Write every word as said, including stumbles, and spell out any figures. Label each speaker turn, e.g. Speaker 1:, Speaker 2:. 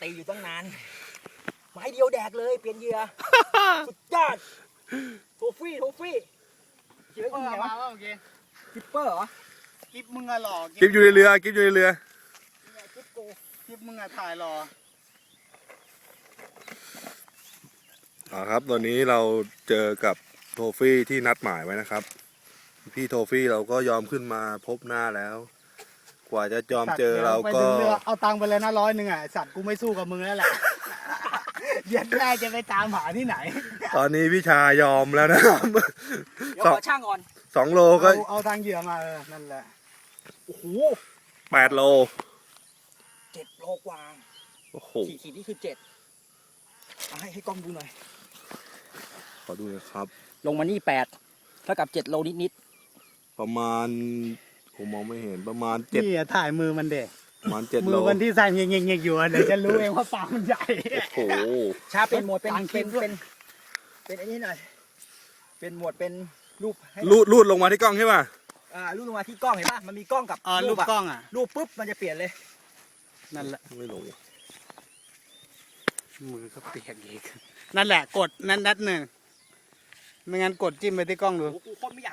Speaker 1: ตีอยู่ตั้งนานไม้เดียวแดกเลยเปลี่ยนเหยื่อ สุดยอดโทฟี่โทฟี่เจอ
Speaker 2: เอ
Speaker 1: คุณ
Speaker 2: อ
Speaker 1: ไง
Speaker 2: มาว
Speaker 1: ะ
Speaker 2: ว่าโอเค
Speaker 1: กิปเปอร์เหรอ
Speaker 2: กิฟมึงอะหล่อ
Speaker 3: กิฟอยู่ในเรือกิฟอยู่ในเรือ
Speaker 1: เนี่ยกิปโก
Speaker 2: กิฟมึงอะถ่ายหล่อ
Speaker 3: อ่าครับตอนนี้เราเจอกับโทฟี่ที่นัดหมายไว้นะครับ พี่โทฟี่เราก็ยอมขึ้นมาพบหน้าแล้ว กว่าจะยอมเจอเราก็
Speaker 2: ไปถึงรือเอาตังค์ไปเลยนะร้อยหนึ่งอ่ะไอ้สัตว์กูไม่สู้กับมึงแล้วแหละ เดี๋ยวแม่จะไปตามหาที่ไหน
Speaker 3: ตอนนี้พี่ชายอมแล้วนะครับ
Speaker 1: เดี๋ยว
Speaker 3: สอ
Speaker 1: ข
Speaker 3: ง
Speaker 1: อช่างก่อน
Speaker 3: สองโลก็
Speaker 2: เอาเอาทางเหยื่อมาเออนั่นแหละ
Speaker 1: โอ้โห
Speaker 3: แปดโล
Speaker 1: เจ็ดโลกว่า
Speaker 3: โอ้โห
Speaker 1: ขีดขีดนี่คือเจ็ดเอาให้ให้กล้องดูหน่อย
Speaker 3: ขอดูหนะครับ
Speaker 1: ลงมานี่แปดเท่ากับเจ็ดโลนิดนิด
Speaker 3: ประมาณผมมองไม่เห็นประมาณเจ็ด
Speaker 2: นี่อะถ่ายมือมันเด็
Speaker 3: ประมาณเจ็ด
Speaker 2: มื
Speaker 3: โล
Speaker 2: อมันที่สั่นเงี้ยๆๆอยู่อะเดี๋ยวจะรู้เองว่าปากมันใหญ่
Speaker 3: โอ้โห
Speaker 1: ๆชาเป็นหมวดเป็น
Speaker 2: ต่างคลิ
Speaker 1: เป็
Speaker 2: ป
Speaker 1: น
Speaker 2: ด้วย
Speaker 1: เป็นเป็นไอ้นี่หน่อยเป็นหมวดเป็นรูปให้
Speaker 3: ลูดลูดลงมาที่กล้องใช่ป่ะ
Speaker 1: อ่ารูปลงมาที่กล้องเห็นป่ะมันมีกล้องกับ
Speaker 2: อ๋อรูป
Speaker 1: อะ
Speaker 2: กล้องอ่ะ
Speaker 1: รูปปุ๊บมันจะเปลี่ยนเลย
Speaker 2: นั่นแหละ
Speaker 3: ไม่ลง
Speaker 2: มือก็เปียกอีกนั่นแหละกดนั่นนัดหนึ่งไม่งั้นกดจิ้มไปที่กล้องดู
Speaker 1: โอ้โหกูโคนไม่อยาก